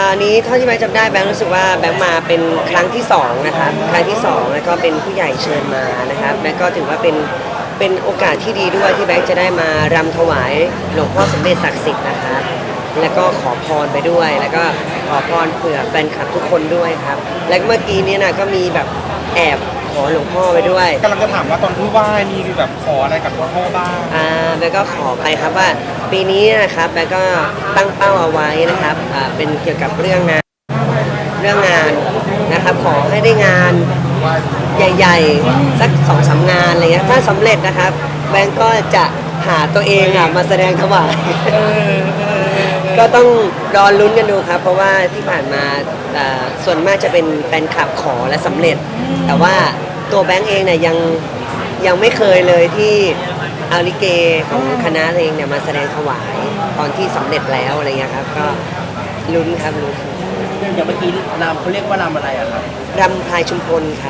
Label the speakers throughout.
Speaker 1: นี้เท่าที่แบงค์จำได้แบงค์รู้สึกว่าแบงค์มาเป็นครั้งที่2นะครับครั้งที่2แล้วก็เป็นผู้ใหญ่เชิญมานะครับแบงค์ก็ถือว่าเป็นโอกาสที่ดีด้วยที่แบงค์จะได้มารำถวายหลวงพ่อสมเด็จศักดิ์สิทธิ์นะครับแล้วก็ขอพรไปด้วยแล้วก็ขอพรเผื่อแฟนคลับทุกคนด้วยครับแล้วเมื่อกี้นี้นะก็มีแบบแอบขอหลวงพ่อไปด้วย
Speaker 2: กำลังจะถามว่าตอนที่ไหว้มีแบบขออะไรกับหลวงพ่อบ้าง
Speaker 1: แบงค์ก็ขอไปครับว่าปีนี้นะครับแบงค์ก็ตั้งเป้าเอาไว้นะครับเป็นเกี่ยวกับเรื่องงานนะครับขอให้ได้งานใหญ่ๆสัก2-3 งานอะไรเงี้ยถ้าสำเร็จนะครับแบงก์ก็จะหาตัวเองมาแสดงถวายก็ต้องรอลุ้นกันดูครับเพราะว่าที่ผ่านมาส่วนมากจะเป็นแฟนคลับขอและสำเร็จแต่ว่าตัวแบงก์เองเนี่ยยังไม่เคยเลยที่เอาลิเกของคณะเองเนี่ยมาแสดงถวายตอนที่สำเร็จแล้วอะไรเงี้ยครับก็ลุ้นครับลุ้น
Speaker 3: อย่างเมื่อกี้รำเขาเรียกว่ารำอะไรอะครับ
Speaker 1: รำพลายชุมพลครับ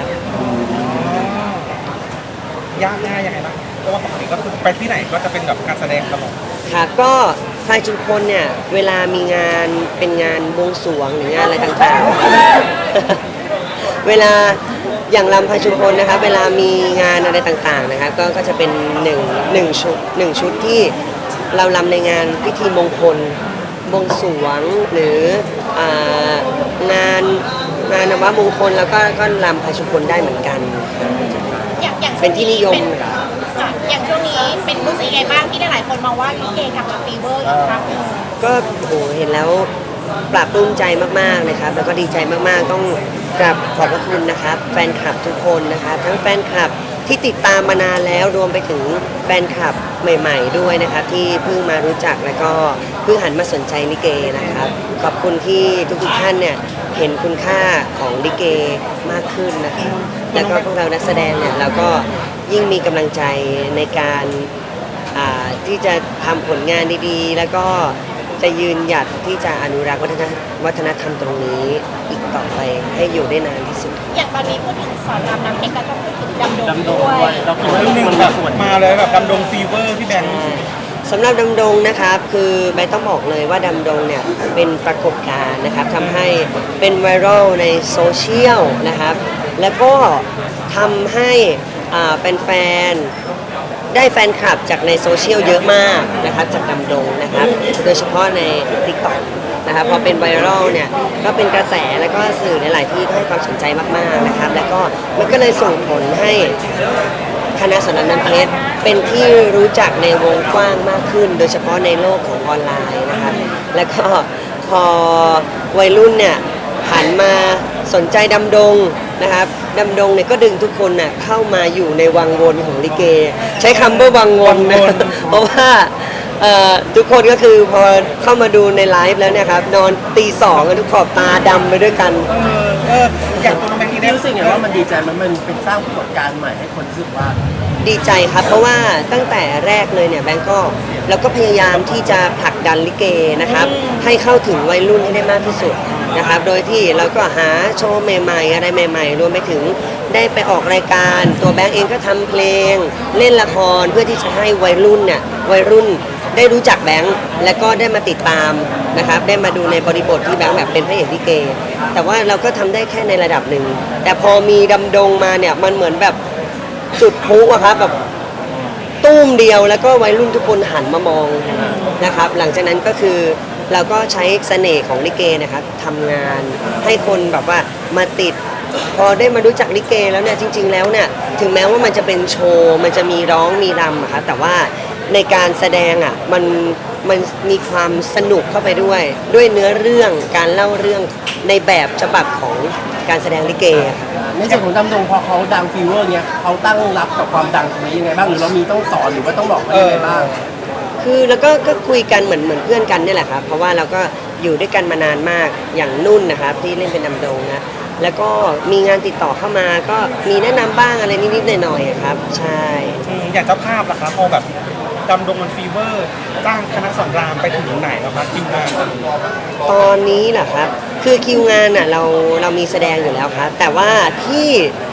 Speaker 2: ยากง่ายยังไงบ้างเพราะว่าปกติก็คือไปที่ไหนก็จะเป็นแบบการแสดงตลอด
Speaker 1: ครับก็พลายชุมพลเนี่ยเวลามีงานเป็นงานบวงสรวงหรืองานอะไรต่างๆเวลาอย่างรำพลายชุมพลนะครับเวลามีงานอะไรต่างๆนะครับก็จะเป็นหนึ่งชุดที่เรารำในงานพิธีมงคลบวงสรวงหรืองานนวมงคลแล้วก็รำพลายชุมพลได้เหมือนกัน
Speaker 4: อย่าง
Speaker 1: เป็นที่นิยม
Speaker 4: อย่างช่วงนี้เป็นรู้สึกยังไงบ้างที่หลายคนมองว่าลิเกกลับมาฟีเวอร์อีกครั้งนึง
Speaker 1: ก็โหเห็นแล้วปลาบปลื้มใจมากๆนะครับแล้วก็ดีใจมากๆต้องกราบขอบพระคุณนะครับแฟนคลับทุกคนนะครับทั้งแฟนคลับที่ติดตามมานานแล้วรวมไปถึงแฟนคลับใหม่ๆด้วยนะครับที่เพิ่งมารู้จักแล้วก็เพิ่งหันมาสนใจลิเกนะครับขอบคุณที่ทุกท่านเนี่ยเห็นคุณค่าของลิเกมากขึ้นนะครับแล้วก็พวกเรานักแสดงเนี่ยเราก็ยิ่งมีกำลังใจในการที่จะทำผลงานดีๆแล้วก็จะยืนหยัดที่จะอนุรักษ์วัฒนธรรมตรงนี้อีกต่อไปให้อยู่ได้นานที่สุด
Speaker 4: อย่างตอนนี้พูดถึงสอนรามน้ำเพชรก็ต้องพูดถึงดำดงด้วย
Speaker 3: เราคิดว่า
Speaker 2: เรื่องนึงแบบมาเลยแบบดำดงฟีเวอร์พี่แบงค์
Speaker 1: สำหรับดำดงนะครับคือใบต้องบอกเลยว่าดำดงเนี่ยเป็นปรากฏการณ์นะครับทำให้เป็นไวรัลในโซเชียลนะครับแล้วก็ทำให้แฟนๆได้แฟนคลับจากในโซเชียลเยอะมากนะครับจากดำดงนะครับโดยเฉพาะใน TikTok นะครับพอเป็นไวรัลเนี่ยก็เป็นกระแสแล้วก็สื่อในหลายที่ให้ความสนใจมากๆนะครับแล้วก็มันก็เลยส่งผลให้คณะสอนรามน้ำเพชรเป็นที่รู้จักในวงกว้างมากขึ้นโดยเฉพาะในโลกของออนไลน์นะครับแล้วก็พอวัยรุ่นเนี่ยหันมาสนใจดำดงนะครับดำดงเนี่ยก็ดึงทุกคนน่ะเข้ามาอยู่ในวังวนของลิเกใช้คำว่าวังวนนะเพราะว่าทุกคนก็คือพอเข้ามาดูในไลฟ์แล้วเนี่ยครับนอนตี 2กันทุกขอบตาดำไปด้วยกัน
Speaker 2: อย่างตัวน้องแบงค์ที่ได้
Speaker 3: รู้สึกไงว่ามันดีใจมันเป็นสร้างปรากฏการณ์ใหม่ให้คนรู้สึกว่า
Speaker 1: ดีใจครับเพราะว่าตั้งแต่แรกเลยเนี่ยแบงก์ก็เราก็พยายามที่จะผลักดันลิเกนะครับให้เข้าถึงวัยรุ่นให้ได้มากที่สุดนะครับโดยที่เราก็หาโชว์ใหม่ๆอะไรใหม่ๆรวมไปถึงได้ไปออกรายการตัวแบงก์เองก็ทำเพลงเล่นละครเพื่อที่จะให้วัยรุ่นได้รู้จักแบงก์และก็ได้มาติดตามนะครับได้มาดูในบริบทที่แบงก์แบบเป็นพระเอกลิเกแต่ว่าเราก็ทำได้แค่ในระดับหนึ่งแต่พอมีดำดงมาเนี่ยมันเหมือนแบบจุดพลุอะครับแบบตุ้มเดียวแล้วก็วัยรุ่นทุกคนหันมามองนะครับหลังจากนั้นก็คือเราก็ใช้เสน่ห์ของลิเกนะครับทำงานให้คนแบบว่ามาติดพอได้มารู้จักลิเกแล้วเนี่ยจริงๆแล้วเนี่ยถึงแม้ว่ามันจะเป็นโชว์มันจะมีร้องมีรำอะครับแต่ว่าในการแสดงอ่ะมันมีความสนุกเข้าไปด้วยเนื้อเรื่องการเล่าเรื่องในแบบฉบับของการแสดงลิเก
Speaker 3: ในส่วนของดำดงพอเขาดังฟีเวอร์เนี้ยเขาตั้งรับกับความดังตรงนี้ยังไงบ้างหรือเรามีต้องสอนหรือว่าต้องบอกว่ายังไงบ้าง
Speaker 1: คือแล้วก็คุยกันเหมือนเพื่อนกันนี่แหละครับเพราะว่าเราก็อยู่ด้วยกันมานานมากอย่างนุ่นนะครับที่เล่นเป็นดำดงนะแล้วก็มีงานติดต่อเข้ามาก็มีแนะนำบ้างอะไรนิดๆหน่อยๆครับใช่
Speaker 2: อย่างเจ้าภาพล่ะครับพอแบบดำดงมันฟีเวอร์จ้างคณะสอนรามไปถึงไหนแล้วครับคิวงาน
Speaker 1: ตอนนี้เหรอครับคือคิวงานอ่ะเรามีแสดงอยู่แล้วครับแต่ว่าที่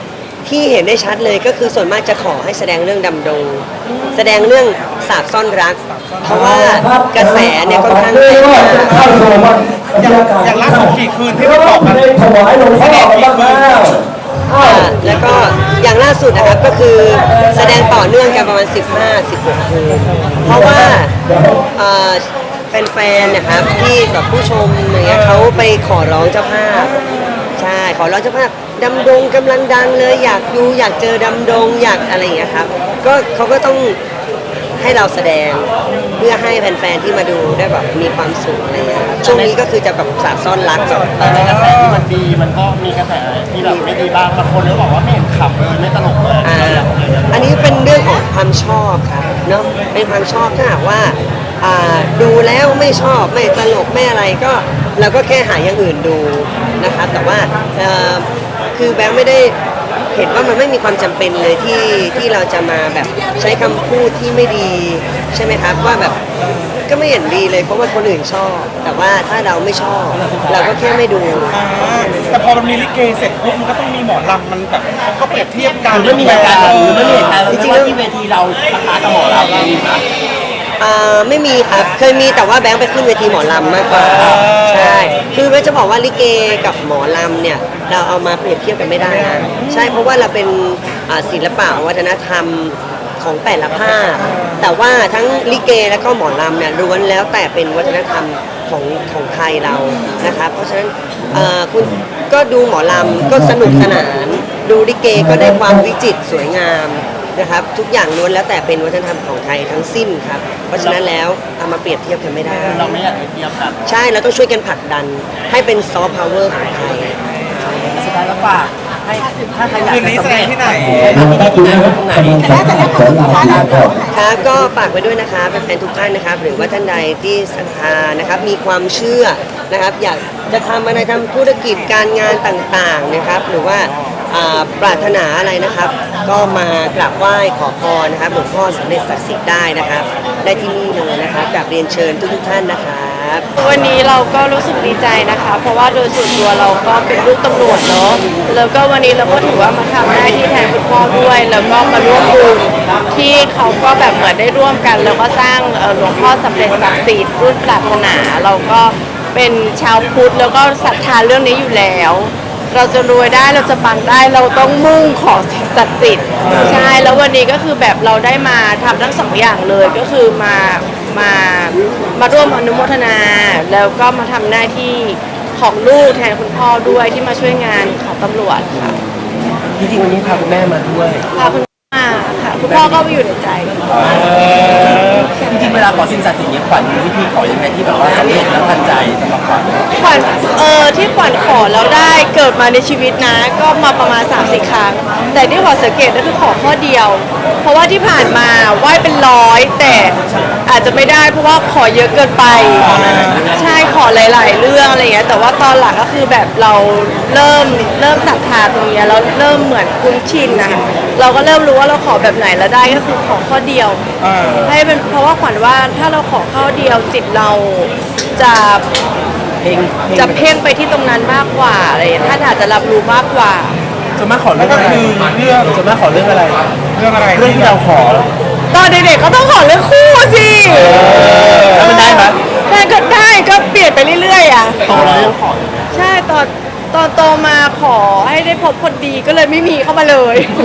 Speaker 1: ที่เห็นได้ชัดเลยก็คือส่วนมากจะขอให้แสดงเรื่องดำดง แสดงเรื่องสาบซ่อนรัก เพราะว่ากระแสเนี่ยค่อนข้างแรงมาก
Speaker 2: อย่างล่าสุดกี่คืนที่ได้บอกกันแสดงกี่คืน
Speaker 1: แล้วก็อย่างล่าสุดนะครับก็คือแสดงต่อเนื่องกันประมาณ 15-16 คืน เพราะว่าแฟนๆนะครับที่แบบผู้ชมอย่างเงี้ยเขาไปขอร้องเจ้าภาพ ใช่ขอร้องเจ้าภาพดำดงกำลังดังเลยอยากดูอยากเจอดำดงอยากอะไรอย่างเงี้ยครับก็เขาก็ต้องให้เราแสดงเพื่อให้แฟนๆที่มาดูได้แบบมีความสุขอะไรอย่างเงี้ยครับช่วงนี้ก็คือจะแบบสาบซ่อนรักแบบ
Speaker 3: แต่ในกระแสที่มันดีมันก็มีกระแสที่แบบไม่ดีบ้างบางคนก็บอกว่าไม่เห็นขำเลยไม่ตลกเลย
Speaker 1: อันนี้เป็นเรื่องของความชอบครับเนาะเป็นความชอบถ้าหากว่าดูแล้วไม่ชอบไม่ตลกไม่อะไรก็เราก็แค่หาอย่างอื่นดูนะครับแต่ว่าคือแบงค์ไม่ได้เห็นว่ามันไม่มีความจำเป็นเลยที่เราจะมาแบบใช้คำพูดที่ไม่ดีใช่ไหมครับว่าแบบก็ไม่เห็นดีเลยเพราะว่าคนอื่นชอบ แต่ว่าถ้าเราไม่ชอบ เราก็แค่ไม่ดู
Speaker 2: แต่พอมันมีลิเกเสร็จปุ๊บมันก็ต้องมีหมอลำมันแบบเขาก็เปรียบเทียบกัน
Speaker 3: หรือไม่มีเหตุการณ์หรือไม่มีเหตุการณ์ที่ว่าที่เวทีเราปะทะกับหมอเรามีไหม
Speaker 1: ไม่มีครับเคยมีแต่ว่าแบงค์ไปขึ้นเวทีหมอลำมากกว่าใช่คือแบงค์จะบอกว่าลิเกกับหมอลำเนี่ยเราเอามาเปรียบเทียบกันไม่ได้นะใช่เพราะว่าเราเป็นศิลปะวัฒนธรรมของแต่ละภาคแต่ว่าทั้งลิเกและก็หมอลำเนี่ยล้วนแล้วแต่เป็นวัฒนธรรมของไทยเรานะครับเพราะฉะนั้นคุณก็ดูหมอลำก็สนุกสนานดูลิเกก็ได้ความวิจิตรสวยงามนะครับทุกอย่างล้วนแล้วแต่เป็นวัฒนธรรมของไทยทั้งสิ้นครับเพราะฉะนั้นแล้วเอามาเปรียบเทียบกันไม่ได้
Speaker 3: เราไม่อยากไปเทียบกัน
Speaker 1: ใช่เราต้องช่วยกันผลักดันให้เป็นซอฟต์พาวเวอร์ของไทย
Speaker 3: สุดท้ายแล้วฝากให้ถ้าใครอยาก
Speaker 2: คืนนี้แสดงที่ไหน
Speaker 3: ที่ไหนตรงไหน
Speaker 1: ครับก็ฝากไว้ด้วยนะครับแฟนๆทุกท่านนะครับหรือว่าท่านใดที่ศรัทธานะครับมีความเชื่อนะครับอยากจะทำอะไรทำธุรกิจการงานต่างๆนะครับหรือว่าปรารถนาอะไรนะครับ ก็มากราบไหว้ขอพรนะครับหลวงพ่อสมเด็จศักดิ์สิทธิ์ได้นะครับ ได้ที่นี่เลยนะครับกราบเรียนเชิญทุกๆท่านนะครับ
Speaker 5: วันนี้เราก็รู้สึกดีใจนะคะ เพราะว่าโดยส่วนตัวเราก็เป็นลูกตำรวจเนาะแล้วก็วันนี้เราก็ถือว่ามาทำหน้าที่แทนคุณพ่อด้วย แล้วก็มาร่วมบุญที่เขาก็แบบเหมือนได้ร่วมกัน แล้วก็สร้างหลวงพ่อสำเร็จศักดิ์สิทธิ์รุ่นปรารถนาเราก็เป็นชาวพุทธแล้วก็ศรัทธาเรื่องนี้อยู่แล้ว เราจะรวยได้เราจะปังได้เราต้องมุ่งขอสิ่งศักดิ์สิทธิ์ใช่แล้ววันนี้ก็คือแบบเราได้มาทำทั้งสองอย่างเลยก็คือมาร่วมอนุโมทนา แล้วก็มาทำหน้าที่ของลูกแทนคุณพ่อด้วยที่มาช่วยงานของตำรวจค่ะ
Speaker 3: จริงๆวันนี้พาคุณแม่มาด้วย
Speaker 5: พาคุณพ่อมาค่ะคุณพ่อก็อยู่ในใจ
Speaker 3: จริงๆเวลาขอสิ่งศักดิ์สิทธิ์เนี่ยขวัญมีวิธีขอยังไงที่แบบว่าสำเร็จแล้วทันใจสำหรับขวัญ
Speaker 5: ขวัญที่ขวัญขอแล้วได้เกิดมาในชีวิตนะ ก็มาประมาณ 3-4 ครั้ง แต่ที่ขวัญสังเกตก็คือขอข้อเดียว เพราะว่าที่ผ่านมาไหว้เป็นร้อยแต่อาจจะไม่ได้เพราะว่าขอเยอะเกินไป ใช่ขอหลาย ๆ เรื่องอะไรอย่างเงี้ยแต่ว่าตอนหลังก็คือแบบเราเริ่มศรัทธาตรงเนี้ยแล้วเริ่มเหมือนคุ้นชินนะคะเราก็เริ่มรู้ว่าเราขอแบบไหนแล้วได้ก็คือขอข้อเดียว ให้เป็นเพราะว่าขวัญว่าถ้าเราขอข้อเดียวจิตเราจะ
Speaker 3: เพลง
Speaker 5: จะเพ่งไปที่ตรงนั้นมากกว่าอะไรอย่างเงี้ยท่านอาจจะรับรู้มากกว่า
Speaker 3: ส่วนมากขอเรื่องอะไร
Speaker 2: ก็คือเรื่อง
Speaker 3: ส่วนมากขอเรื่องอะไร
Speaker 2: เรื่องอะไร
Speaker 3: เรื่องที่เราขอ
Speaker 5: ตอนเด็กๆก็ต้องขอเรื่องคู่สิ
Speaker 3: แล้วมันได้ไหม
Speaker 5: ได้ก็ได้ก็เปลี่ยนไปเรื่อยๆอ่ะ
Speaker 3: โตแล้วยังขอ
Speaker 5: ใช่ตอนโตมาขอให้ได้พบคนดีก็เลยไม่มีเข้ามาเลย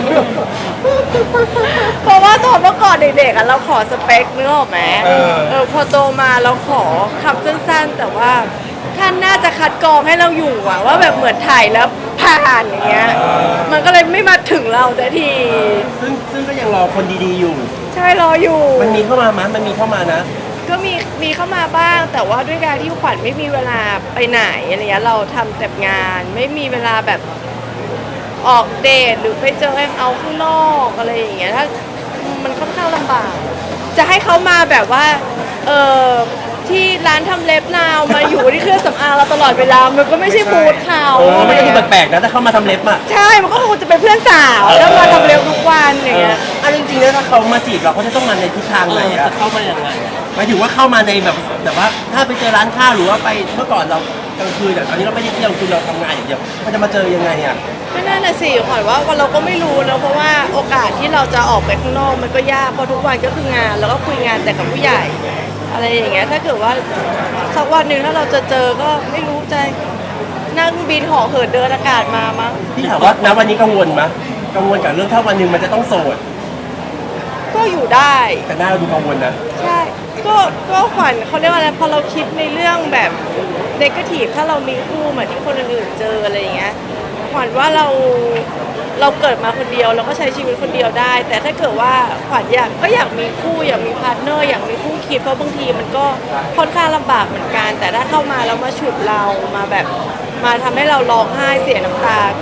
Speaker 5: เพราะว่าตอนเมื่อก่อนเด็กๆอ่ะเราขอสเปคนึกออกไหมพอโตมาเราขอคำสั้นๆ แต่ว่าท่านน่าจะคัดกรองให้เราอยู่อะว่าแบบเหมือนถ่ายแล้วผ่านอย่างเงี้ยมันก็เลยไม่มาถึงเราสักที
Speaker 3: ซึ่งก็ยังรอคนดีๆอยู่
Speaker 5: ใช่รออยู่
Speaker 3: มันมีเข้ามามั้ยมันมีเข้ามานะ
Speaker 5: ก็มีเข้ามาบ้าง แต่ว่าด้วยการที่ขวัญไม่มีเวลาไปไหนอะไรเงี้ยเราทำแต่งานไม่มีเวลาแบบออกเดทหรือไปเจอแฮงเอาท์ข้างนอกอะไรอย่างเงี้ยถ้ามันค่อนข้างลำบาก จะให้เขามาแบบว่าที่ร้านทำเล็บนาวมาอยู่ที่เครื่องสำอางเราตลอดเวลามันก็ไม่ใช่มูดเขา
Speaker 3: มันก็ดูแปลกๆนะถ้าเข้ามาทำเล็บอ่ะ
Speaker 5: ใช่มันก็คงจะเป็นเพื่อนสาวแล้วมาทำเล็บทุกวันอย่างเงี้ย
Speaker 3: อันจริงๆแล้วถ้าเขามาจีบเราเขาจะต้องมาในทิศทางไหนอะจะเข้ามาอย่างไรหมายถึงว่าเข้ามาในแบบว่าถ้าไปเจอร้านข้าวหรือว่าไปเมื่อก่อนเรากลางคืนแต่ตอนนี้เราไม่ได้เที่ยวคือเราทำงานอย่างเดียวมันจะมาเจอยังไงอ่ะ
Speaker 5: ก็นั่นน่ะสิขวัญว่าเราก็ไม่รู้นะเพราะว่าโอกาสที่เราจะออกไปข้างนอกมันก็ยากเพราะทุกวันก็คืองานแล้วก็คุยงานแต่กับผู้ใหญ่ อะไรอย่างเงี้ยถ้าเกิดว่าสักวันหนึ่งถ้าเราจะเจอก็ไม่รู้ใจนั่งบินห่อเหินเดินอากาศมามั้ง
Speaker 3: พี่ถามว่าณวันนี้กังวลไหมกังวลกับเรื่องถ้าวันหนึ่งมันจะต้องโสด
Speaker 5: ก็อยู่ได้
Speaker 3: แต่หน้าเราดูกังวลนะ
Speaker 5: ใช่ก็ขวัญเขาเรียกว่าอะไรพอเราคิดในเรื่องแบบเนกาทีฟถ้าเรามีคู่เหมือนที่คนอื่นๆเจออะไรอย่างเงี้ยขวัญว่าเราเกิดมาคนเดียวเราก็ใช้ชีวิตคนเดียวได้ แต่ถ้าเกิดว่าขวัญอยากมีคู่อยากมีพาร์ทเนอร์อยากมีคู่คิดเพราะบางทีมันก็ค่อนข้างลำบากเหมือนกัน แต่ถ้าเข้ามาแล้วมาฉุดเรามาแบบมาทำให้เราร้องไห้เสียน้ำตาก็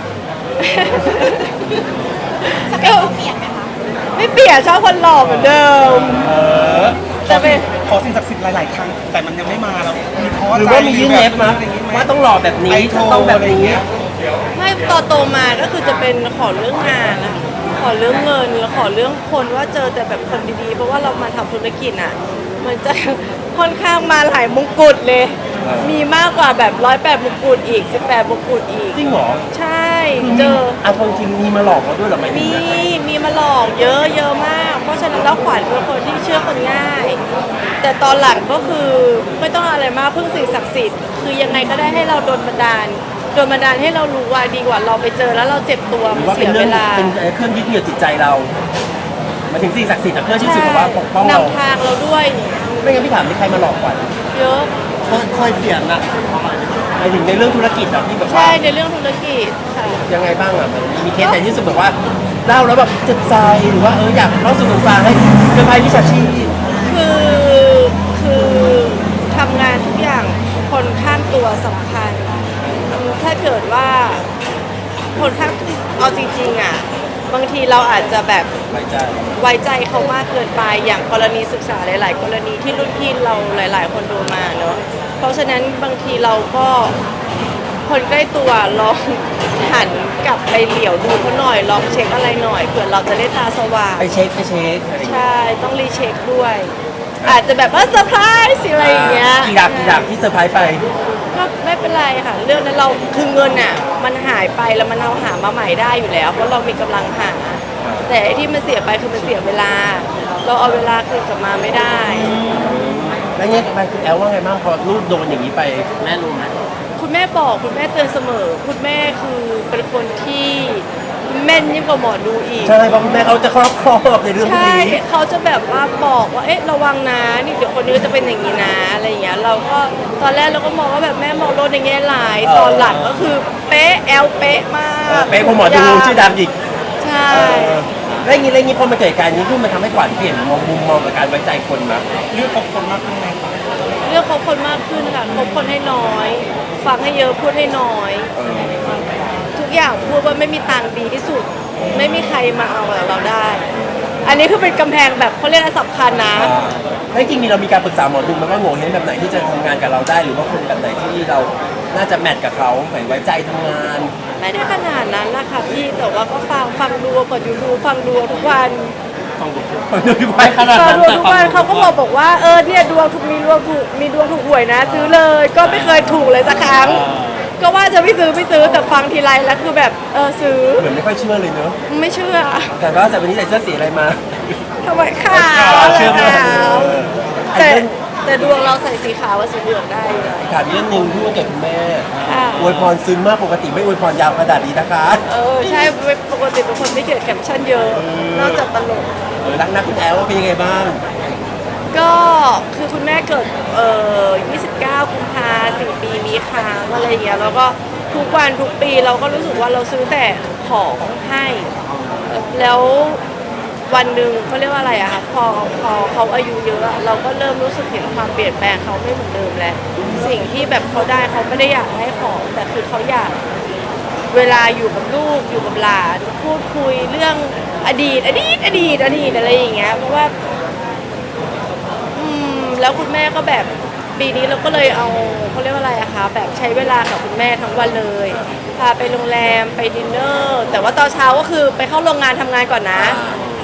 Speaker 4: สเปคเราเปลี่ยนไหมคะ
Speaker 5: ไม่เปลี่ยนชอบคนหล่อเหมือนเดิม
Speaker 2: ขอสิ่งศักดิ์สิทธิ์หลาย ๆ ครั้ง แต่มันยังไม่มาเรามีท้อ
Speaker 3: หรือ
Speaker 2: ใจ
Speaker 3: ว่ามียื่นเอฟ
Speaker 2: ไห
Speaker 3: มาว่าต้องหล่อแบบนี้
Speaker 2: ไอโทร
Speaker 3: ต้องแบบ
Speaker 2: อะไรอย่าง
Speaker 3: นี้
Speaker 2: เงี้ย
Speaker 5: ไม่โตมาก็คือจะเป็นขอเรื่องงานนะขอเรื่องเงินแล้วขอเรื่องคนว่าเจอแต่แบบคนดีๆ เพราะว่าเรามาทำธุรกิจอ่ะมันจะ ค่อนข้างมาหลายมงกุฎเลย มีมากกว่าแบบ108มงกุฎอีก18มงกุฎอีก
Speaker 3: จริงเหรอ
Speaker 5: ใช่เจอ
Speaker 3: เอาจริงๆมีมาหลอกเราด้วยเหรอไหม
Speaker 5: มีมาหลอกเยอะมาก เพราะฉะนั้นแล้วขวัญเป็นคนที่เชื่อคนง่าย แต่ตอนหลังก็คือไม่ต้องอะไรมากพึ่งสิ่งศักดิ์สิทธิ์คือยังไงก็ได้ให้เราโดนบันดาลให้เรารู้ว่าดีกว่าเราไปเจอแล้วเราเจ็บตัว
Speaker 3: หรื
Speaker 5: มัน
Speaker 3: อว่า
Speaker 5: เสี
Speaker 3: เป็น
Speaker 5: ย
Speaker 3: เรื่
Speaker 5: เว
Speaker 3: อง
Speaker 5: ลา
Speaker 3: เป็นเครื่องยึดเหนี่ยวจิตใจเราหมายถึงสิ่งศักดิ์สิทธิ์อะเครื่องที่สุดว่าปกป้องเรา
Speaker 5: นำทางเราด้วย
Speaker 3: ไม่งั้นพี่ถามมีใครมาหลอกขวัญ
Speaker 5: เยอะ
Speaker 3: เคยเสียงอะหมายถึงในเรื่องธุรกิจอะที่แบบว่า
Speaker 5: ใช่ในเรื่องธุรกิจค่ะ
Speaker 3: ยังไงบ้างอะมันมีเคสไหนที่รู้สึกแบบว่าเล่าแล้วแบบเจ็บใจหรือว่าอยากเล่าสู่กันฟังให้เพื่อนภัยวิชาชีพ
Speaker 5: คือทำงานทุกอย่างคนข้างตัวสำคัญถ้าเกิดว่าคนข้างเอาจริงๆอ่ะบางทีเราอาจจะแบบ
Speaker 3: ไว้ใจ
Speaker 5: ไว้ใจเขามากเกินไปอย่างกรณีศึกษาหลาย ๆ กรณีที่รุ่นพี่เราหลาย ๆ คนโดนมาเนอะเพราะฉะนั้นบางทีเราก็คนใกล้ตัวลองหันกลับไปเหลียวดูเขาหน่อยลองเช็คอะไรหน่อยเผื่อเราจะได้ตาสว่าง
Speaker 3: ไปเช็คอะไรอย่างเงี้ย
Speaker 5: ใช่ต้องรีเช็คด้วย อาจจะแบบว่าเซอร์ไพรส์อะไรอย่างเงี้ย
Speaker 3: กี่ดับที่เซอร์ไพรส์ไป
Speaker 5: ก็ไม่เป็นไรค่ะ เรื่องนั้นเราคือเงินอ่ะมันหายไปแล้วมันเอาหามาใหม่ได้อยู่แล้ว เพราะเรามีกำลังหา แต่ไอ้ที่มันเสียไปคือมันเสียเวลา เราเอาเวลาคืนกลับมาไม่ได้
Speaker 3: แล้วเงี้ยไปคุณแอลว่าไงบ้างพอลูกโดนอย่างนี้ไปแม่รู้ไหม
Speaker 5: คุณแม่บอกคุณแม่เตือนเสมอ คุณแม่คือเป็นคนที่แม่นยิ่งกว่าหมอดูอีก
Speaker 3: ใช่เพราะแม่เขาจะครอบครองในเรื่องพวก
Speaker 5: ใช่
Speaker 3: นี้
Speaker 5: เขาจะแบบว่าบอกว่า เอ๊ะ ระวังนะ นี่เดี๋ยวคนนี้จะเป็นอย่างนี้นะ อะไรอย่างเงี้ย เราก็ตอนแรกเราก็มองว่าแบบแม่มองโลกในแง่ร้าย ตอนหลังก็คือเป๊ะแอลเป๊ะมาก
Speaker 3: เป๊ะพอหมอดูชื่อดังอีก
Speaker 5: ใช่
Speaker 3: แล้วอย่างนี้พอมาเกิดการนี้ขึ้นมันทำให้ขวัญเปลี่ยนมุมมองกับการไว้ใจคนมา
Speaker 2: เลือกคบคนมากขึ้นไหมครับ
Speaker 5: เลือกคบคนมากขึ้นค่ะคบคนให้น้อย ฟังให้เยอะพูดให้น้อย ทุกอย่างพูดว่าไม่มีตังค์ดีที่สุด ไม่มีใครมาเอากับเราได้ อันนี้คือเป็นกำแพงแบบเขาเรียกว่าสำคัญนะ
Speaker 3: แล้วจริงๆเรามีการปรึกษาหมอดูไหมว่าโง่เฮงแบบไหนที่จะทำงานกับเราได้ หรือว่าคนแบบไหนที่เราน่าจะแมทกับเขาหมายไว้ใจทำงาน
Speaker 5: ไม่ได้ขนาดนั้นนะคะพี่ แต่ว่าก็ฟังดูกดยูทูบฟังดูทุกวัน
Speaker 3: ฟังดูไปขนาด
Speaker 5: ฟัง
Speaker 3: นั้น
Speaker 5: ดูทุกวันเขาก็บอกว่าเนี่ยดวงถูกมีดวงถูกหวยนะ ซื้อเลย ก็ไม่เคยถูกเลยสักครั้ง ก็ว่าจะไม่ซื้อแต่ฟังทีไรแล้วคือแบบซื้อ
Speaker 3: เหมือนไม่ค่อยเชื่อเลยเนอะ
Speaker 5: ไม่เชื่อ
Speaker 3: แต่ว่าแต่วันนี้ใส่เสื้อสีอะไรมา
Speaker 5: ทำไมขาว
Speaker 3: เชื่อไหม
Speaker 5: ขาว
Speaker 3: อัน
Speaker 5: แต่
Speaker 3: นี้
Speaker 5: แต่ดวงเราใส่สีขาวกับสีเหลืองได้เลย
Speaker 3: ถามอีกเรื่องหนึ่งที่วันเกิดคุณแม่
Speaker 5: ค่ะ
Speaker 3: อวยพรซึ้งมากปกติไม่อวยพรยาวขนาดนี้นะคะ
Speaker 5: ใช่ปกติเป็นคนไม่เขียนแคปชั่นเยอะ นอกจากตลก
Speaker 3: รักนักคุณแอลว่าเป็นยังไงบ้าง
Speaker 5: ก็คือคุณแม่เกิด29 กุมภา4 ปีมีค้างอะไรอย่างเงี้ยแล้วก็ทุกวันทุกปีเราก็รู้สึกว่าเราซื้อแต่ของให้ แล้ววันหนึ่งเขาเรียกว่าอะไรอะคะพอเขาอายุเยอะอะเราก็เริ่มรู้สึกเห็นความเปลี่ยนแปลงเขาไม่เหมือนเดิมแล้วสิ่งที่แบบเขาได้เขาไม่ได้อยากให้ของแต่คือเขาอยากเวลาอยู่กับลูกอยู่กับหลานพูดคุยเรื่องอดีตอะไรอย่างเงี้ยเพราะว่า แล้วคุณแม่ก็แบบปีนี้เราก็เลยเอาเขาเรียกว่าอะไรอะคะแบบใช้เวลากับคุณแม่ทั้งวันเลยพาไปโรงแรมไปดินเนอร์แต่ว่าตอนเช้าก็คือไปเข้าโรงงานทำงานก่อนนะ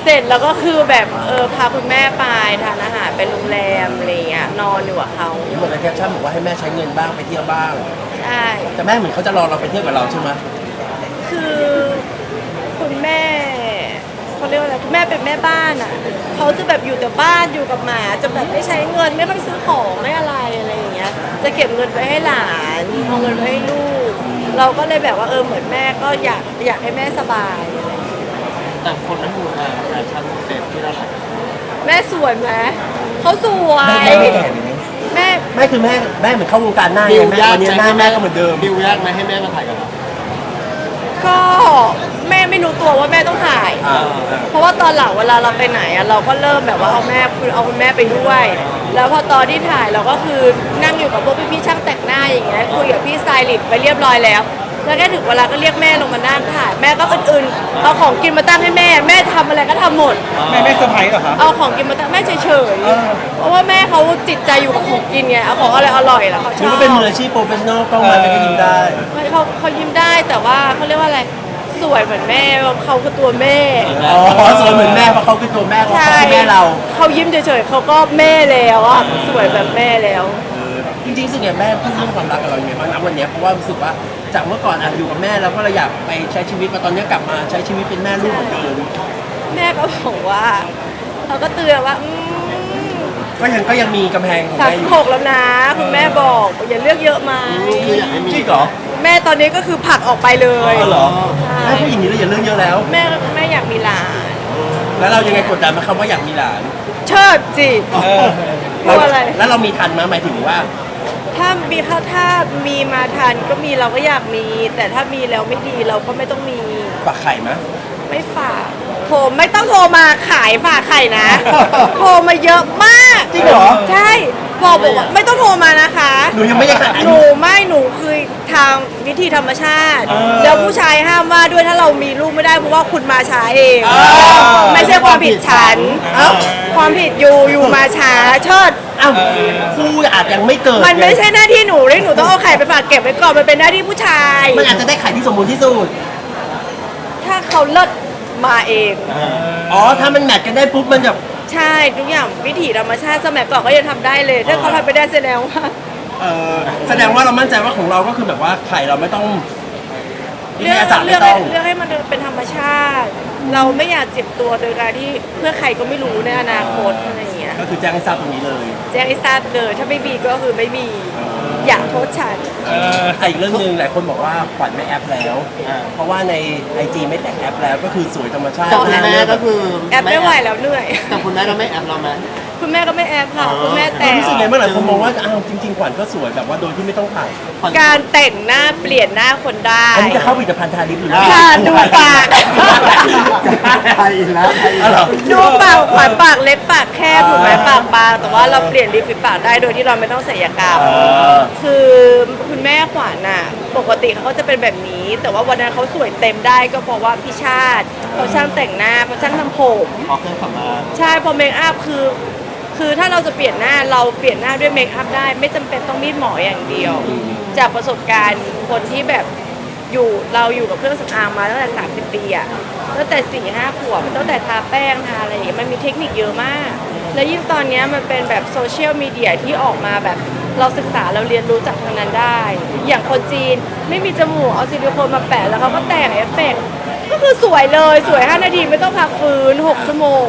Speaker 5: เสร็จแล้วก็คือแบบพาคุณแม่ไปทานอาหารเป็นโรงแรมอะไรเงี้ยนอนอยู่กับเขา
Speaker 3: เห็นบอกในแคปชั่นบอกว่าให้แม่ใช้เงินบ้างไปเที่ยวบ้าง
Speaker 5: ใช่
Speaker 3: แต่แม่เหมือนเขาจะรอเราไปเที่ยวกับเราใช่ไหม
Speaker 5: คือคุณแม่เขาเรียกว่าอะไรคุณแม่เป็นแม่บ้านอ่ะเขาจะแบบอยู่แต่บ้านอยู่กับหมาจะแบบไม่ใช้เงินไม่ค่อยซื้อของไม่อะไรอย่างเงี้ยจะเก็บเงินไว้ให้หลานเอาเงินไว้ให้ลูกเราก็เลยแบบว่าเหมือนแม่ก็อยากให้แม่สบายอะไรอย่างเงี้ย
Speaker 6: แต่คนนั้นอยู่แฟชั่นเซ็ตที่เราถ่าย
Speaker 5: แม่สวยไหมเขาสวย
Speaker 3: แม่ไม่แก่เลยนะ
Speaker 5: แม่
Speaker 3: แม่คือแม่เหมือนเข้าวงการหน้า
Speaker 6: บิ
Speaker 3: ไง
Speaker 6: ว
Speaker 3: แม่
Speaker 6: ยาก
Speaker 3: วันนี้หน้าแม่ก็เหมือนเดิม
Speaker 6: บิวยากไหมให้แม่มาถ่ายกับเรา
Speaker 5: ก็แม่ไม่รู้ตัวว่าแม่ต้องถ่าย เพราะว่าตอนหลังเวลาเราไปไหนอะเราก็เริ่มแบบว่าเอาคุณแม่ไปด้วย แล้วพอตอนที่ถ่ายเราก็คือนั่งอยู่กับพวกพี่ๆช่างแต่งหน้าอย่างเงี้ยคุยกับพี่สไตลิสต์ไปเรียบร้อยแล้ว แล้วแค่ถึงเวลาก็เรียกแม่ลงมานั่งถ่ายแม่ก็อื่นๆเอาของกินมาตั้งให้แม่ทำอะไรก็ทำหมด
Speaker 2: แม่เซอร์ไพรส์เหรอคะ
Speaker 5: เอาของกินมาตั้งแม่เฉยๆเพราะว่าแม่เขาจิตใจอยู่กับของกินไงเอาของอะไรอร่อยแล้วเขาช
Speaker 3: นี่
Speaker 5: อบ
Speaker 3: ก็เป็นมืออาชีพโปรเฟชชั่นอลกล้องมาก็ยิ้มได้
Speaker 5: เขายิ้มได้แต่ว่าเขาเรียกว่าอะไรสวยเหมือนแม่เขาคือตัวแม่
Speaker 3: อ๋อสวยเหมือนแม่เพราะเขาคือตัวแม่เขาคือแม่เรา
Speaker 5: เขายิ้มเฉยๆเขาก็แม่แล้วอ่ะสวยแบบแม่แล้ว
Speaker 3: จริงๆสึกอย่างแม่พูดเรื่องความรักกับเราอย่างไรบ้างนะวันนี้เพราะว่ารู้สึกว่าจากเมื่อก่อนอยู่กับแม่แล้วก็เราอยากไปใช้ชีวิตมาตอนนี้กลับมาใช้ชีวิตเป็นแม่ลูกเหมือนเดิม
Speaker 5: แม่ก็บอกว่าเขาก็เตือนว่า
Speaker 3: ก็ยังมีกำแพงของ
Speaker 5: สาม
Speaker 3: แม่อ
Speaker 5: สิบ
Speaker 3: ยู่
Speaker 5: หกแล้วนะคุณแม่บอกอย่าเลือกเยอะไหม
Speaker 6: คืออยากให้มี
Speaker 3: จริงเหรอ
Speaker 5: แม่ตอนนี้ก็คือผลักออกไปเลย
Speaker 3: ก็เหรอ
Speaker 5: ใช่
Speaker 3: แม่พูดอย่างนี้แล้วอย่าเรื่องเยอะแล้ว
Speaker 5: แม่อยากมีหลาน
Speaker 3: แล้วเรายังไงกดดันมาคำว่าอยากมีหลาน
Speaker 5: เชิดจิกลัวอะไร
Speaker 3: แล้วเรามีทันมาหมายถึงว่า
Speaker 5: ถ้ามีมาทันก็มีเราก็อยากมี แต่ถ้ามีแล้วไม่ดีเราก็ไม่ต้องมี
Speaker 3: ฝากไข่ไหม
Speaker 5: ไม่ฝากไม่ต้องโทรมาขายฝากไข่นะ โทรมาเยอะมาก
Speaker 3: จริงเหรอ
Speaker 5: ใช่บอกว่าไม่ต้องโทรมานะคะ
Speaker 3: หนูยังไม่ได้ขาย
Speaker 5: หนูคือทางวิธีธรรมชาติ แล้วผู้ชายห้ามว่าด้วยถ้าเรามีลูกไม่ได้เพราะว่าคุณมาช้าเอง ไม่ใช่ความผิดฉันความผิดอยู่มาช้าเชิด
Speaker 3: อ้าวคู่อาจยังไม่เกิด
Speaker 5: มันไม่ใช่หน้าที่หนูเลยหนูต้องเอาไข่ไปฝากเก็บไว้ก่อนมันเป็นหน้าที่ผู้ชาย
Speaker 3: มันอาจจะได้ไข่ที่สมบูรณ์ที่สุด
Speaker 5: ถ้าเขาเลิศมาเอง
Speaker 3: อ๋อถ้ามันแมทกันได้ปุ๊บมันจะ
Speaker 5: ใช่ทุกอย่างวิถีธรรมชาติสมัยก่อนก็ยังทำได้เลย ถ้าเขาทำไปได้แสดงว่า
Speaker 3: แสดงว่าเรามั่นใจว่าของเราก็คือแบบว่าไข่เราไม่ต้องวิท
Speaker 5: เลือก
Speaker 3: ยาศาสตร์
Speaker 5: เลื
Speaker 3: ไม่
Speaker 5: อก
Speaker 3: ต้อง
Speaker 5: เลือกให้มันเป็นธรรมชาติ เราไม่อยากเจ็บตัวโดยการที่เพื่อใครก็ไม่รู้ในอนาคตอะไรอย่างเงี้ย
Speaker 3: ก็คือแจ้งให้ทราบตรงนี้เลย
Speaker 5: แจ้งให้ทราบเลยถ้าไม่มีก็คือไม่มีอยากโทษฉัน
Speaker 3: อีกเรื่องหนึ่งหลายคนบอกว่าขวัญไม่แอปแล้ว เพราะว่าใน IG ไม่แต่งแอปแล้วก็คือสวยธรรมชาติ
Speaker 6: แต่คุณแม่ก็คือ
Speaker 5: แอบไม่ไหวแล้วเหนื่อย
Speaker 6: แต่คุณแม่ก็ไม่แอบเราไหม
Speaker 5: คุณแม่ก็ไม่แอบค่ะคุณแม่แต่ง
Speaker 3: รู้สึกไงเมื่อหลายคนมองว่าอ้าวจริงๆขวัญก็สวยแบบว่าโดยที่ไม่ต้องถ่าย
Speaker 5: การแต่งหน้าเปลี่ยนหน้าคนได้
Speaker 3: อันนี้จะเข้าผลิตภัณฑ์ทาลิปหรือ
Speaker 5: ค่ะดูปาก
Speaker 6: ไทยแล้วไทย
Speaker 3: อ๋อเหรอ
Speaker 5: ดูปากขวานปากเล็บปากแคบถูกไหมปากบางแต่ว่าเราเปลี่ยนริมฝีปากได้โดยที่เราไม่ต้องศัลยกรรมคือคุณแม่ขวานน่ะปกติเขาก็จะเป็นแบบนี้ แต่ว่าวันนั้นเขาสวยเต็มได้ก็เพราะว่าพี่ชาติเขาช่างแต่งหน้าเขาช่างทำผม
Speaker 6: ออกเครื่องสำอาง
Speaker 5: ใช่พอเมคอัพคือถ้าเราจะเปลี่ยนหน้าเราเปลี่ยนหน้าด้วยเมคอัพได้ ไม่จำเป็นต้องมีดหมออย่างเดียว จากประสบการณ์คนที่แบบเราอยู่กับเครื่องสำอางมาตั้งแต่30 ปีอะตั้งแต่4-5 ขวบตั้งแต่ทาแป้งทาอะไรอย่างเงี้ยมันมีเทคนิคเยอะมาก แล้วยิ่งตอนเนี้ยมันเป็นแบบโซเชียลมีเดียที่ออกมาแบบเราศึกษาเราเรียนรู้จากทางนั้นได้ อย่างคนจีนไม่มีจมูกเอาซิลิโคนมาแปะแล้วเขาก็แต่งเอฟเฟกต์ก็คือสวยเลยสวย5 นาทีไม่ต้องพักฟื้น6 ชั่วโมง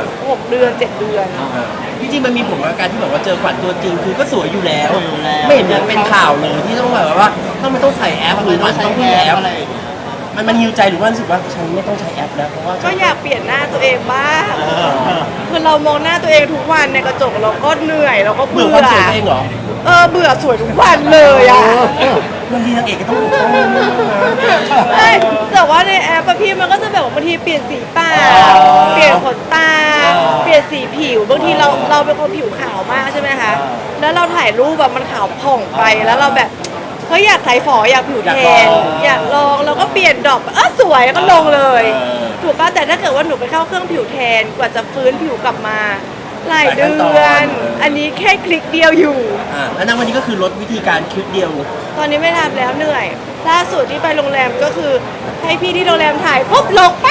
Speaker 5: 6 เดือน 7 เดือน
Speaker 3: จริงๆมันมีผลกับการที่แบบว่าเจอขวัญตัวจริงคือก็สวยอยู่แล้ว ไม่เห็นจะเป็นข่าวเลยที่ต้องแบบว่าถ้ามันต้องใส่แอปหรือมันต้องมีแอป
Speaker 6: อะไร
Speaker 3: มันฮิวใจหรือว่ารู้สึกว่าฉันไม่ต้องใช้แอปแล้วเพราะว่า
Speaker 5: ก็อยากเปลี่ยนหน้าตัวเองบ้างคือเรามองหน้าตัวเองทุกวันในกระจกเราก็เหนื่อยเราก็
Speaker 3: เบื่
Speaker 5: เบื่
Speaker 3: อ
Speaker 5: อ
Speaker 3: ความสวยตัวเองเหรอ
Speaker 5: เบื่อสวยทุกวันเลยอ่ะ
Speaker 3: บางทีนางเอกก็ต้องถูกต้องนะ
Speaker 5: ใช่แต่ว่าในแอปอะพี่มันก็จะแบบว่าบางทีเปลี่ยนสีปากเปลี่ยนขนตา เปลี่ยนสีผิวบางทีเราเป็นคนผิวขาวมากใช่ไหมคะแล้วเราถ่ายรูปแบบมันขาวผ่องไปแล้วเราแบบเฮ้ยอยากใส่ฝออยากผิวแทนอยากลองเราก็เปลี่ยนดอกสวยก็ลงเลย ถูกป่ะแต่ถ้าเกิดว่าหนูไปเข้าเครื่องผิวแทนกว่าจะฟื้นผิวกลับมาหลายเดือนอันนี้แค่คลิกเดียวอยู่
Speaker 3: แล้วณวันนี้ก็คือลดวิธีการคลิกเดียว
Speaker 5: ตอนนี้ไม่ทำแล้วเหนื่อยล่าสุดที่ไปโรงแรมก็คือให้พี่ที่โรงแรมถ่ายปุ๊บลงปั๊บ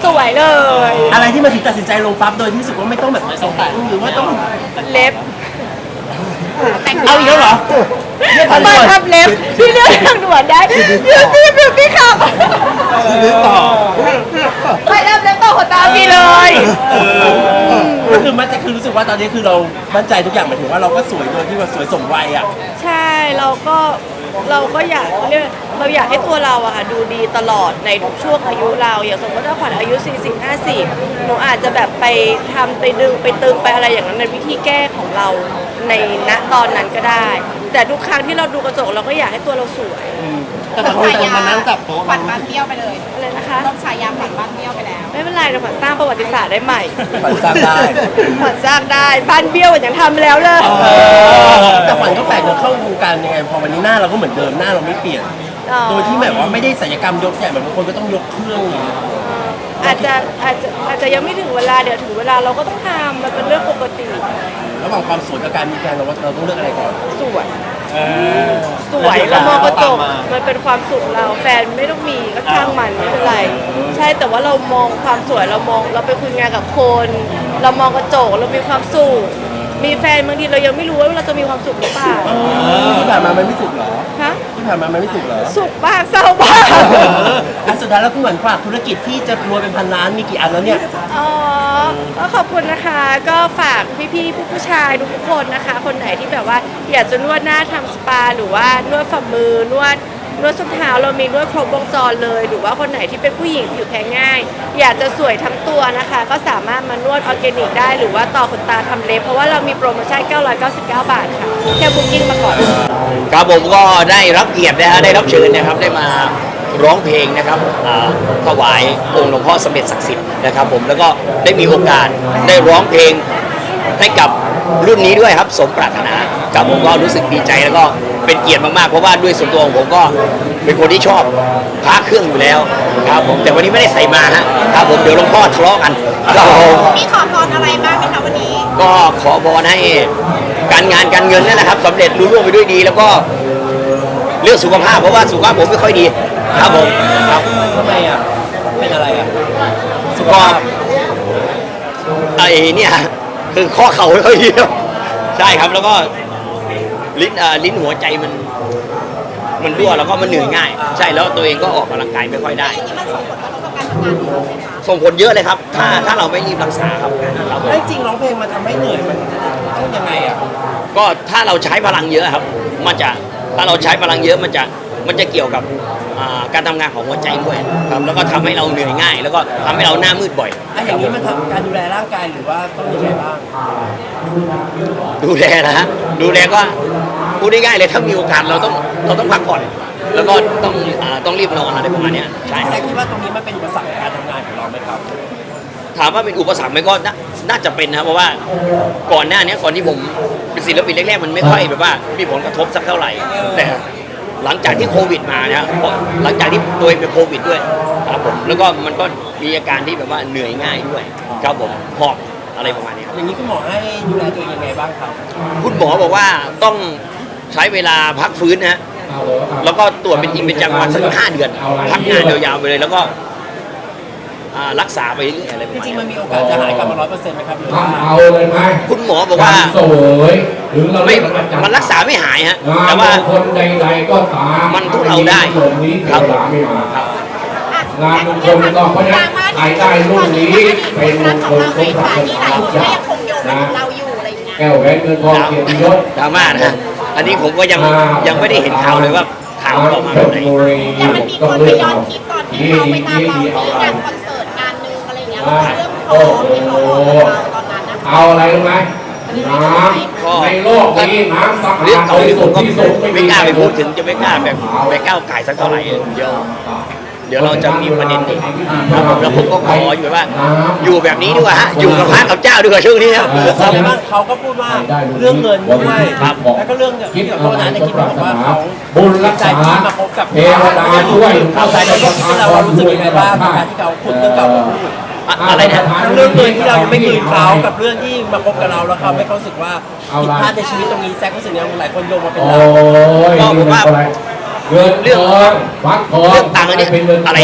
Speaker 5: สวยเลย
Speaker 3: อะไรที่มาถึงตัดสินใจลงปั๊บโดยที่รู้สึกว่าไม่ต้องแบบสงสัยหรือว่าต้อง
Speaker 5: เล็บ
Speaker 3: เอาอีกแล้วเหรอ
Speaker 5: มาทำเล็บที่เลือกทางด่วนได้ยูซี่บิวตี้คลับ
Speaker 6: ซื้อต่อ
Speaker 5: ไปทำเล็บต่อขนตาพี่เลย
Speaker 3: ก็คือมันจะคือรู้สึกว่าตอนนี้คือเรามั่นใจทุกอย่างหมายถึงว่าเราก็สวยโดยที่ว่าสวยสมวัยอ่ะ
Speaker 5: ใช่เราก็อยากเราอยากให้ตัวเราอะค่ะดูดีตลอดในทุกช่วงอายุเราอย่างสมมติว่าขวัญอายุ40-50หนูอาจจะแบบไปทำไปดึงไปตึงไปอะไรอย่างนั้นในวิธีแก้ของเราในณตอนนั้นก็ได้ แต่ทุกครั้งที่เราดูกระจกเราก็อยากให้ตัวเราสวย
Speaker 6: แต่บางคนมานั่งจับโต๊ะ
Speaker 4: ขวัญบ้านเบี้ยวไปเลย
Speaker 5: อะไรนะคะ
Speaker 4: ต้องฉายาขวัญบ้านเบี้ยวไปแล้ว
Speaker 5: ไม่เป็นไรเราขวัญสร้างประวัติศาสตร์ได้ใหม่
Speaker 3: ขวัญสร้างได้
Speaker 5: ขวัญสร้างได้บ้านเบี้ยวยังทำแล้วเลย
Speaker 3: แต่ขวัญก็แปลกเราเข้าวงการยังไงพอวันนี้หน้าเราก็เหมือนเดิมหน้าเราไม่เปลี่ยน โดยที่แบบว่าไม่ได้ศัลยกรรมยกใหญ่เหมือนบางคนก็ต้องยกเครื่องอย่างเงี้ย
Speaker 5: อาจจะยังไม่ถึงเวลาเดี๋ยวถึงเวลาเราก็ต้องทำมันเป็นเรื่องปกติ
Speaker 3: ระหว่างความสวยกับการมีแฟนเราว่าเราต้องเลือกอะไรก่อน
Speaker 5: สวยสวยเรามองกระจกมันเป็นความสุขเราแฟนไม่ต้องมีก็ช่างมันไม่เป็นไร ใช่แต่ว่าเรามองความสวยเราไปคุยงานกับคน เรามองกระจกเรามีความสุขมีแฟนบางทีเรายังไม่รู้ว่าเราจะมีความสุขหรือเปล่า
Speaker 3: ที่ผ่านมามันไม่สุกเหรอ
Speaker 5: ฮะ
Speaker 3: ที่ผ่านมามันไม่สุกเหรอ
Speaker 5: สุขบ้างเศร้าบ้าง
Speaker 3: อันสุดท้ายแล้วคุณเหมือนฝากธุรกิจที่จะรวยเป็นพันล้านมีกี่อันแล้วเนี่ย
Speaker 5: อ๋อก็ขอบคุณนะคะ ก็ฝากพี่ๆผู้ชายทุกคนนะคะ คนไหนที่แบบว่าอยากจะนวดหน้าทำสปาหรือว่านวดฝ่ามือนวดส้นเท้าเรามีนวดครบวงจรเลย หรือว่าคนไหนที่เป็นผู้หญิงผิวแพ้ง่าย อยากจะสวยทั้งตัวนะคะ ก็สามารถมานวดออร์แกนิกได้หรือว่าต่อขนตาทำเล็บเพราะว่าเรามีโปรโมชั่น999 บาทค่ะแค่บุ๊กิ้งมาก่อน
Speaker 7: ครับผมก็ได้รับเกียรตินะฮะได้รับเชิญนะครับได้มาร้องเพลงนะครับถวายองค์หลวงพ่อสมเด็จศักดิ์สิทธิ์นะครับผมแล้วก็ได้มีโอกาสได้ร้องเพลงให้กับรุ่นนี้ด้วยครับสมปรารถนาครับผมก็รู้สึกดีใจแล้วก็เป็นเกียรติมากๆเพราะว่าด้วยส่วนตัวของผมก็เป็นคนที่ชอบพระเครื่องอยู่แล้วครับผมแต่วันนี้ไม่ได้ใส่มาฮะครับผมเดี๋ยวหลวงพ่อทะเลาะกันครับผม
Speaker 4: มีขอพรอะไรบ้างไหมคะวันนี้
Speaker 7: ก็ขอพรให้การงานการเงินนั่นแหละครับสำเร็จรุ่งเรืองไปด้วยดี แล้วก็เรื่องสุขภาพเพราะว่าสุขภาพผมไม่ค่อยดีครับผมครับ
Speaker 3: ทำไมอ่ะ เป็นอะไรอ่ะ สุข
Speaker 7: ก็
Speaker 3: ภาพ
Speaker 7: ไอ้เนี่ยคือข้อเข่าไม่ค่อยดีครับใช่ครับแล้วก็ลิ้นหัวใจมันรั่วแล้วก็มันเหนื่อยง่าย ใช่แล้วตัวเองก็ออกกำลังกายไม่ค่อยได้
Speaker 4: อย่างนี้มันส่งผลกระทบกับการทำงานของเราไหมคะ
Speaker 7: ส่งผลเยอะเลยครับ ถ้าเราไม่รีบรักษาครับครับผม
Speaker 3: แล้วจริงร้องเพลงมันทำให้เหนื่อยมันต้องยังไงอ่ะ
Speaker 7: ก็ถ้าเราใช้พลังเยอะครับถ้าเราใช้พลังเยอะมันจะเกี่ยวกับการทำงานของหัวใจด้วยครับแล้วก็ทำให้เราเหนื่อยง่าย แล้วก็ทำให้เราหน้ามืดบ่อย
Speaker 3: อย่างนี้มันทำการดูแลร่างกายหรือว่าต้องยังไงบ้าง
Speaker 7: ดูแลนะฮะดูแลก็พูดง่ายๆเลยถ้ามีโอกาสเราต้องพักผ่อน แล้วก็ต้องรีบนอนอะไรประมาณเนี้ยใช่ค
Speaker 3: แซ
Speaker 7: รับ
Speaker 3: คคิดว่าตรงนี้มันเป็นอุปสรรคในการทำงานของเราไหมครับ
Speaker 7: ถามว่าเป็นอุปสรรคไหมก็น่าจะเป็นนะเพราะว่าก่อนหน้านี้ก่อนที่ผมเป็นศิลปินแรกๆมันไม่ค่อยแบบว่ามีผลกระทบสักเท่าไหร่แต่หลังจากที่โควิดมาเนี่ยเพราะหลังจากที่ตัวเองเป็นโควิดด้วยครับผมแล้วก็มันก็มีอาการที่แบบว่าเหนื่อยง่ายด้วยครับผมหอบอะไรประมาณนี้ครับ
Speaker 3: อย่างนี้คุณหมอให้ดูแลตัวเองยังไงบ้างครับ
Speaker 7: คุณหมอบอกว่าต้องใช้เวลาพักฟื้นนะฮะแล้วก็ตรวจเป็นจริงเป็นจังวันสัก5 เดือนพักงานยาวๆไปเลยแล้วก็รักษาไปเรื่อยๆอะไรประ
Speaker 3: จ
Speaker 7: มาณ
Speaker 3: ริง
Speaker 7: นี้
Speaker 3: ๆมันมีโอกาสจะหายกลับมา100%ไหมครับหรือว่า
Speaker 8: เอาเลยไหม
Speaker 7: คุณหมอบอกว่า
Speaker 8: สวยถึงเรา
Speaker 7: ไม่
Speaker 8: เรียกอาจารย์
Speaker 7: มันรักษาไม่หายฮะ
Speaker 8: งาน
Speaker 7: แต่ว่า
Speaker 8: มงคลใดๆก็ตาม
Speaker 7: มันทุเลาได้
Speaker 8: ลงนี้เทวดาไม่มา
Speaker 7: ครับ
Speaker 8: งานมงคลก็เพราะฉะนั้นใครได้รุ่นนี้เป็นมงคลสมปรารถ
Speaker 4: ที่ห
Speaker 8: นา
Speaker 4: ลายคนก็
Speaker 8: จา
Speaker 4: ยังคงโยงมาถึงเราอยู่อะไรอย่างเงี้ย
Speaker 8: แก้วแหวนเงินทองเกียรติยศ
Speaker 7: ดราม่านะฮะอันนี้ผมก็ยังไม่ได้เห็นข่าวเลยว่าข่าวออกมาแบบไหน
Speaker 4: แต่มันมีคนไปย้อนคลิปตอนที่เขาไปตามเราที่งานคอนเสิร์ตงานหนึงอะไรอย่างเงี้ยแล้วก็เรื่องทองที่เขาบอกกับเราตอนนั้นนะคะ
Speaker 8: เอาอะไรรู้ไหมน้ำในโลกนี้น้ำสะอา
Speaker 7: เรื่อง
Speaker 8: ด
Speaker 7: เก่า
Speaker 8: บริ
Speaker 7: ที่ผ
Speaker 8: สุ
Speaker 7: ม
Speaker 8: ทธิ์
Speaker 7: ก็
Speaker 8: ที่สุด
Speaker 7: ไม่กล้าไปพูดถึงจะไม่กล้าแบบไปก้าวไก่สักเท่าไหร่เดี๋ยวเราจะมีประเด็นอีกครับผมแล้วผมก็ขออยู่ว่า อยู่แบบนี้ดีกว่าฮะอยู่กับพระกับเจ้าดีกว่าช่วงนี้ครับ
Speaker 3: แสดงว่าเขาก็พูดว่าเรื่องเงินด้วย
Speaker 7: ครับ
Speaker 3: แล้วก็เรื่องที่แบบโทษนะในคลิปบอกว่าเขา
Speaker 8: บุญรัก
Speaker 3: ใจ
Speaker 8: ษา
Speaker 3: ที่มาพบกับ
Speaker 8: เทวดาช่วย
Speaker 3: เอาใจเราที่เรารู้สึกยังไงบ้างกับการที่เขาขุดเรื่องเก่ามาพูด
Speaker 7: อะไรนะ
Speaker 3: ทั้งเรื่องเงินที่เรายังไม่คืนเขากับเรื่องที่มาพบกับเราแล้วเขาไม่เขารู้สึกว่าผิดพลาดในชีวิตตรงนี้แซครู้สึกยังหลายคนโยงมาเป็น
Speaker 8: โอ้
Speaker 3: เรา
Speaker 8: ย
Speaker 7: ก็ผมว่า
Speaker 8: เงิน
Speaker 7: เรื่อง
Speaker 8: ทองฟักทอง
Speaker 7: เรื่องตังค์อันนี้
Speaker 8: เป็นเงิน
Speaker 7: อะไรนะค
Speaker 8: ท
Speaker 7: รั
Speaker 8: อบ ง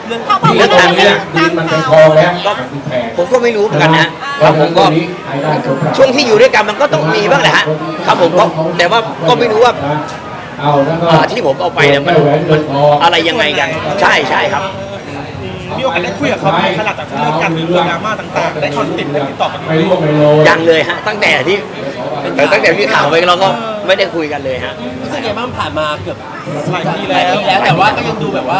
Speaker 3: เรื่อง
Speaker 4: เขาบอก
Speaker 1: เรื่
Speaker 4: ว่า
Speaker 1: อง
Speaker 4: เรา
Speaker 1: การ
Speaker 4: ไม่
Speaker 1: เงิ
Speaker 4: ได้
Speaker 1: น
Speaker 4: ตั้งเขา
Speaker 1: ก็ผมก็ไม่รู้เหมือนกันนะ ครับผมก็ช่วงที่อยู่ด้วยกันมันก็ต้องมีบ้างแหละฮะครับผมก็แต่ว่าก็ไม่รู้ว่าที่ผมเอาไปเนี่ยมันอะไรยังไงกันใช่ใช่ครับ
Speaker 2: มีโอกาสได้คุยกับเขาไหมขนาดจากที่เลิกกันหรือเรื่องดราม่าต่างๆ ได้คอนติดได้ติดต่อกันไหม
Speaker 1: ยังเลยฮะตั้งแต่ที่ข่าวไปเราก็ไม่ได้คุยกันเลยฮะ
Speaker 3: รู้สึกไงบ้างผ่านมาเกือบ
Speaker 2: หลายปี
Speaker 3: หลา
Speaker 2: แล้
Speaker 3: ยว ปีแล้วแต่ว่าก็ยังดูแบบว่า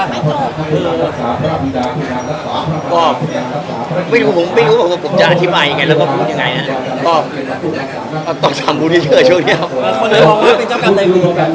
Speaker 1: ก็ไม่รู้ผมไม่รู้ว่าผมจะอธิบายยังไงแล้วก็พูดยังไงฮะก็ต้องทำบุญเยอะๆช่วงนี้ครับ
Speaker 3: คนเลยมองว่าเป็นเจ้ากรรมนายเวรกัน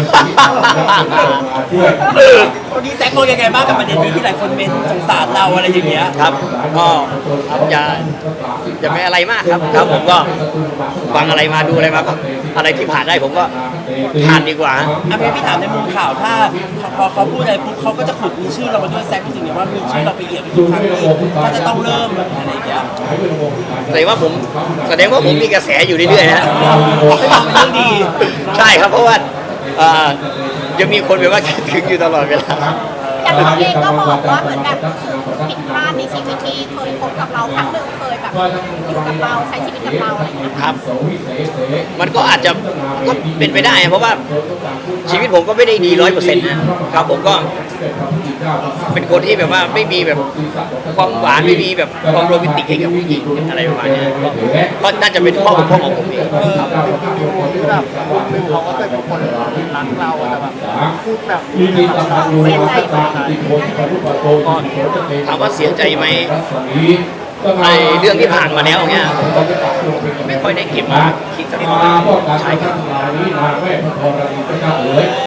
Speaker 3: วันนี้แซคมองยังไงบ้างกับประเด็นนี้ที่หลายคนเป็นสงสารเราอะไรอย่างเงี้ย
Speaker 1: ครับก็ครับอย่าไม่อะไรมากครับครับผมก็ฟังอะไรมาดูอะไรมาก็อะไรที่ผ่านได้ผมก็ผ่านดีกว่า
Speaker 3: อ่ะพี่ถามในมุมข่าวถ้าพอเขาพูดอะไรปุ๊บเขาก็จะขุดมีชื่อเรามาด้วยแซครู้สึกไงว่ามีชื่อเราไปเอี่ยมทุกครั้งที่ถ้าจะต้องเริ่มอะไรอย่างเงี้ย
Speaker 1: แสดงว่าผมมีกระแสอยู่เรื่อยๆนะ
Speaker 3: เป็นเรื่องดี
Speaker 1: ใช่ครับเพราะว่ายังมีคนแบบว่าคิดถึงอยู่ตลอดเวลา
Speaker 4: แต่เราเองก็บอกว่าเหมือนแบบผิดพลาดในชีวิตที่เคยพบกับเราครั้งหนึ่งเคยแบบอยู่กับเราใช้ชีวิตกับเราอะไรอย่างเงี้ย
Speaker 1: ครับ มันก็อาจจะก็เป็นไปได้ เพราะว่าชีวิตผมก็ไม่ได้ดี100%นะครับผมก็เป็นคนที่แบบว่าไม่มีแบบความหวานไม่มีแบบความโรแมนติกให้กับผู้หญิงอะไรประมาณเนี้ยก็น่าจะเป็นข้อบกพร่องของผมเองครับ
Speaker 6: เขาก็เคยเป็นคนรักเราแต่แบบพูดแบบ
Speaker 1: ถามว่าเสียใจไหมไอ้เรื่องที่ผ่านมาแล้วเนี่ยผมก็ไม่ค่อยได้เก็บมาคิดสักเท่าไหร่ใช่ครับ